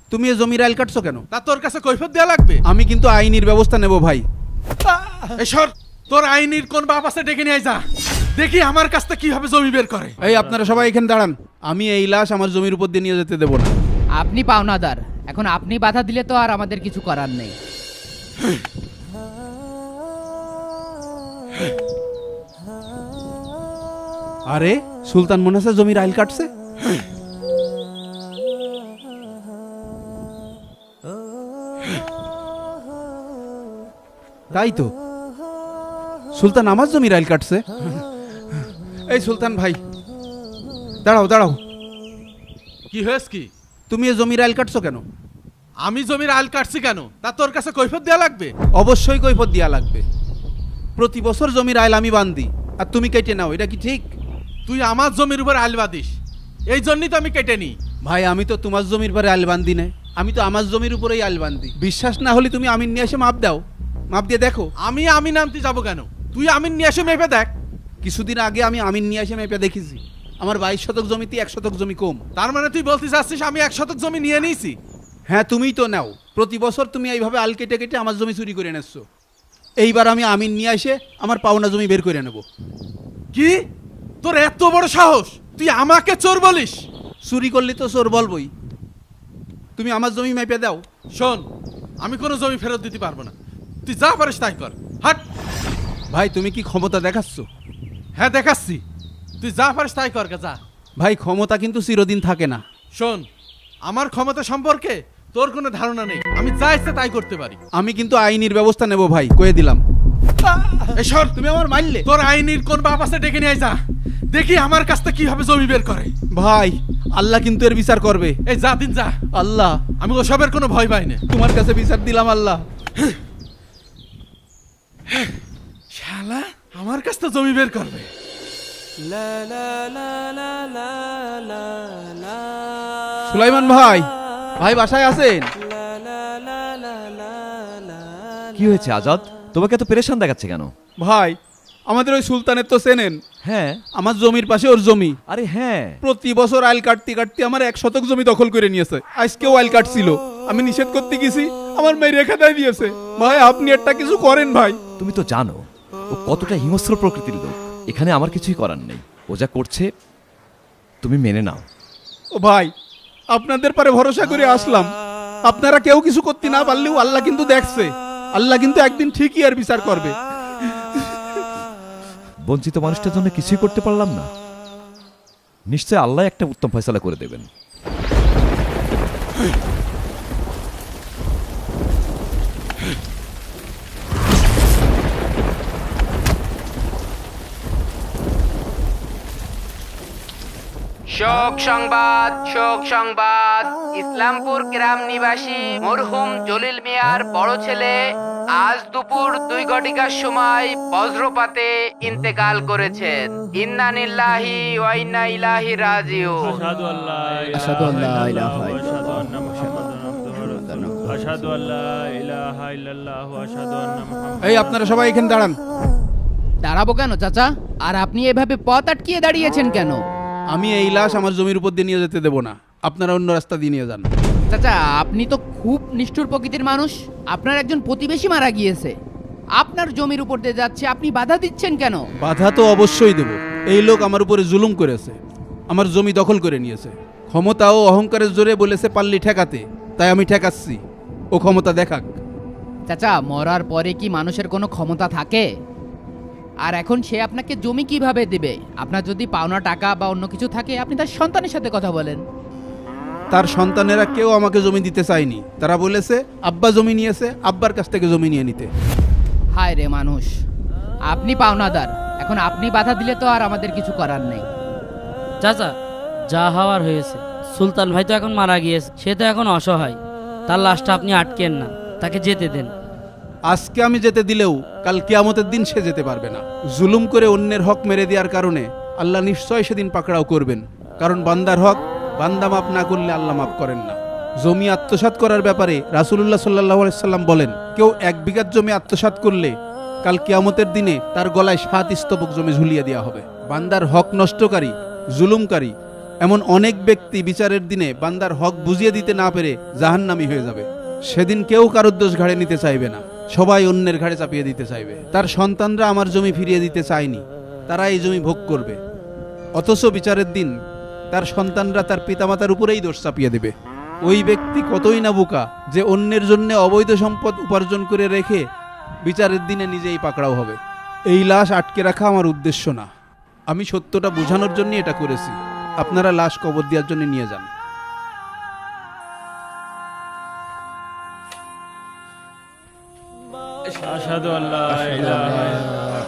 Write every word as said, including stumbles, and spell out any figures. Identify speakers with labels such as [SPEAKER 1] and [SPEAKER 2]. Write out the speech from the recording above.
[SPEAKER 1] তুমি এ জমির আইল কাটছো কেন?
[SPEAKER 2] তা তোর কাছে কৈফিয়ত দেয়া লাগবে?
[SPEAKER 1] আমি কিন্তু আইনের ব্যবস্থা নেব ভাই।
[SPEAKER 2] এই সর, তোর আইনের কোন বাপ আছে ডেকে নিয়ে আয় যা, দেখি আমার কাছ থেকে কিভাবে জমি বের করে।
[SPEAKER 1] এই আপনারা সবাই এখানে দাঁড়ান, আমি এই লাশ আমার জমির উপর দিয়ে নিয়ে যেতে দেবো না।
[SPEAKER 3] আপনি পাওনাদার, এখন আপনি বাধা দিলে তো আর আমাদের কিছু করার নেই।
[SPEAKER 1] আরে সুলতান মনে আছে জমির আইল কাটছে? তাই তো, সুলতান আমার জমির আইল কাটছে। এই সুলতান ভাই দাঁড়াও দাঁড়াও,
[SPEAKER 2] কি হয়েছে কি?
[SPEAKER 1] তুমি এ জমির আইল কাটছো কেন?
[SPEAKER 2] আমি জমির আইল কাটছি কেন তা তোর কাছে কৈফিয়ত দেয়া লাগবে?
[SPEAKER 1] অবশ্যই কৈফিয়ত দেয়া লাগবে। প্রতি বছর জমির আইল আমি বান্ধি আর তুমি কেটে নাও, এটা কি ঠিক?
[SPEAKER 2] তুই আমার জমির উপর আইল বাঁধিস, এই জন্যই তো আমি কেটে নিই।
[SPEAKER 1] ভাই আমি তো তোমার জমির পরে আইল বান্ধি না, আমি তো আমার জমির উপরেই আইল বান্ধি। বিশ্বাস না হলে তুমি আমিন নিয়ে এসে মাপ দাও, মাপ দিয়ে দেখো।
[SPEAKER 2] আমি আমিন আনতে যাবো কেন? তুই আমিন নিয়ে এসে মেপে দেখ।
[SPEAKER 1] কিছুদিন আগে আমি আমিন নিয়ে এসে মেপে দেখেছি, আমার বাইশ শতক জমিতে এক শতক জমি কম।
[SPEAKER 2] তার মানে তুই বলতে চাচ্ছিস আমি এক শতক জমি নিয়ে নিয়েছি?
[SPEAKER 1] হ্যাঁ তুমিই তো নাও, প্রতি বছর তুমি এইভাবে আল কেটে কেটে আমার জমি চুরি করে এনেছো। এইবার আমি আমিন নিয়ে এসে আমার পাওনা জমি বের করে নেব।
[SPEAKER 2] কি তোর এত বড় সাহস, তুই আমাকে চোর বলিস?
[SPEAKER 1] চুরি করলে তো চোর বলবই। তুমি আমার জমি মেপে দাও।
[SPEAKER 2] শোন, আমি কোনো জমি ফেরত দিতে পারবো না, তুই যা পারিস তাই কর। হাট।
[SPEAKER 1] ভাই তুমি কি ক্ষমতা দেখাচ্ছ?
[SPEAKER 2] হ্যাঁ দেখাচ্ছি, তুই যা পারিস তাই কর, যা।
[SPEAKER 1] ভাই ক্ষমতা কিন্তু চিরদিন থাকে না।
[SPEAKER 2] শোন, আমার ক্ষমতা সম্পর্কে তোর কোনো ধারণা নেই, আমি যা ইচ্ছে তাই করতে পারি।
[SPEAKER 1] আমি কিন্তু আইনের ব্যবস্থা নেব ভাই, কয়ে দিলাম।
[SPEAKER 2] এই সর,
[SPEAKER 1] তুমি আমার মারলে।
[SPEAKER 2] তোর আইনের কোন বাপ আছে ডেকে নিয়ে আয় যা, দেখি আমার কাছ থেকে কিভাবে জমি বের করে।
[SPEAKER 1] ভাই আল্লাহ কিন্তু এর বিচার করবে।
[SPEAKER 2] এই যা দিন যা।
[SPEAKER 1] আল্লাহ,
[SPEAKER 2] আমি ওসবের কোনো ভয় পাই না।
[SPEAKER 1] তোমার কাছে বিচার দিলাম আল্লাহ।
[SPEAKER 2] শালা আমার কাছ থেকে জমি বের করবে।
[SPEAKER 1] সুলাইমান ভাই, ভাই বাসায় আছেন?
[SPEAKER 4] কি হয়েছে আজাদ, তোমাকে এত পেরেশান দেখাচ্ছে কেন?
[SPEAKER 1] ভাই আমাদের ওই সুলতানের তো চেনেন?
[SPEAKER 4] হ্যাঁ।
[SPEAKER 1] আমার জমির পাশে ওর জমি।
[SPEAKER 4] আরে হ্যাঁ,
[SPEAKER 1] প্রতি বছর আইল কাটতে কাটতে আমার এক শতক জমি দখল করে নিয়েছে। আজকেও আইল কাটছিল, আমি নিষেধ করতে গেছি, আমার মেয়ে রেখা দেয় দিয়েছে। ভাই আপনি একটা কিছু করেন ভাই।
[SPEAKER 4] তুমি তো জানো ও কতটা হিংস্র প্রকৃতির লোক, এখানে আমার কিছুই করার নেই। ও যা করছে তুমি মেনে নাও।
[SPEAKER 1] ও ভাই আপনাদের পরে ভরসা করে আসলাম, আপনারা কেউ কিছু করতে না পারলেও আল্লাহ কিন্তু দেখছে, আল্লাহ কিন্তু একদিন ঠিকই আর বিচার করবে।
[SPEAKER 4] বঞ্চিত মানুষটার জন্য কিছুই করতে পারলাম না, নিশ্চয় আল্লাহ একটা উত্তম ফয়সালা করে দেবেন।
[SPEAKER 3] শোক সংবাদ, শোক সংবাদ। ইসলামপুর গ্রাম নিবাসী মরহুম জলিল মিয়ার বড় ছেলে আজ দুপুর দুই ঘটিকার সময় বজ্রপাতে ইন্তেকাল করেছেন। ইন্না লিল্লাহি ওয়া ইন্না ইলাইহি রাজিউন।
[SPEAKER 5] আশহাদু আল্লা
[SPEAKER 6] আশহাদু আল্লা ইলাহা
[SPEAKER 5] আশহাদু আন্না মুহাম্মাদান আবদুহু আশহাদু আল্লা ইলাহা ইল্লাল্লাহ ওয়া আশহাদু আন্না মুহাম্মাদান।
[SPEAKER 1] এই আপনারা সবাই এখানে দাঁড়ান।
[SPEAKER 3] দাঁড়াবো কেন চাচা? আর আপনি এভাবে পথ আটকিয়ে দাঁড়িয়েছেন কেন?
[SPEAKER 1] আমি এই লাশ আমার জমির উপর দিয়ে নিয়ে যেতে দেবো না, আপনারা অন্য রাস্তা দিয়ে নিয়ে যান।
[SPEAKER 3] চাচা আপনি তো খুব নিষ্ঠুর প্রকৃতির মানুষ, আপনার একজন প্রতিবেশী মারা গিয়েছে, আপনার জমির উপর দিয়ে যাচ্ছে, আপনি বাধা দিচ্ছেন কেন?
[SPEAKER 1] বাধা তো অবশ্যই দেব। এই লোক আমার উপরে জুলুম করেছে, আমার জমি দখল করে নিয়েছে। ক্ষমতা ও অহংকারের জোরে বলেছে পাল্লি ঠেকাতে, তাই আমি ঠেকাচ্ছি, ও ক্ষমতা দেখাক।
[SPEAKER 3] চাচা মরার পরে কি মানুষের কোনো ক্ষমতা থাকে? আর এখন সে আপনাকে জমি কিভাবে দেবে? আপনার যদি পাওনা টাকা বা অন্য কিছু থাকে আপনি তার সন্তানের সাথে কথা বলেন।
[SPEAKER 1] তার সন্তানেরা কেউ আমাকে জমি দিতে চায়নি, তারা বলেছে আব্বা জমি নিয়েছে, আব্বার কাছ থেকে জমি নিয়ে নিতে।
[SPEAKER 3] হায় রে মানুষ, আপনি পাওনাদার, এখন আপনি বাধা দিলে তো আর আমাদের কিছু করার নেই।
[SPEAKER 7] চাচা যা হওয়ার হয়েছে, সুলতান ভাই তো এখন মারা গিয়েছে, সে তো এখন অসহায়, তার লাশটা আপনি আটকেন না, তাকে যেতে দেন।
[SPEAKER 1] আজকে আমি যেতে দিলেও কাল কিয়ামতের দিন সে যেতে পারবে না। জুলুম করে অন্যের হক মেরে দেওয়ার কারণে আল্লাহ নিশ্চয় সেদিন পাকড়াও করবেন, কারণ বান্দার হক বান্দা মাফ না করলে আল্লাহ মাফ করেন না। জমি আত্মসাৎ করার ব্যাপারে রাসূলুল্লাহ সাল্লাল্লাহু আলাইহি সাল্লাম বলেন, কেউ এক বিঘা জমি আত্মসাৎ করলে কাল কিয়ামতের দিনে তার গলায় সাত স্তবক জমি ঝুলিয়ে দেওয়া হবে। বান্দার হক নষ্টকারী, জুলুমকারী এমন অনেক ব্যক্তি বিচারের দিনে বান্দার হক বুঝিয়ে দিতে না পেরে জাহান্নামী হয়ে যাবে। সেদিন কেউ কারোর দোষ ঘাড়ে নিতে চাইবে না, সবাই অন্যের ঘাড়ে চাপিয়ে দিতে চাইবে। তার সন্তানরা আমার জমি ফিরিয়ে দিতে চায়নি, তারা এই জমি ভোগ করবে। অথচ বিচারের দিন তার সন্তানরা তার পিতামাতার উপরেই দোষ চাপিয়ে দেবে। ওই ব্যক্তি কতই না বোকা যে অন্যের জন্য অবৈধ সম্পদ উপার্জন করে রেখে বিচারের দিনে নিজেই পাকড়াও হবে। এই লাশ আটকে রাখা আমার উদ্দেশ্য না, আমি সত্যটা বোঝানোর জন্য এটা করেছি। আপনারা লাশ কবর দেওয়ার জন্য নিয়ে যান।
[SPEAKER 5] আশহাদু আল্লা ইলাহা ইল্লাল্লাহ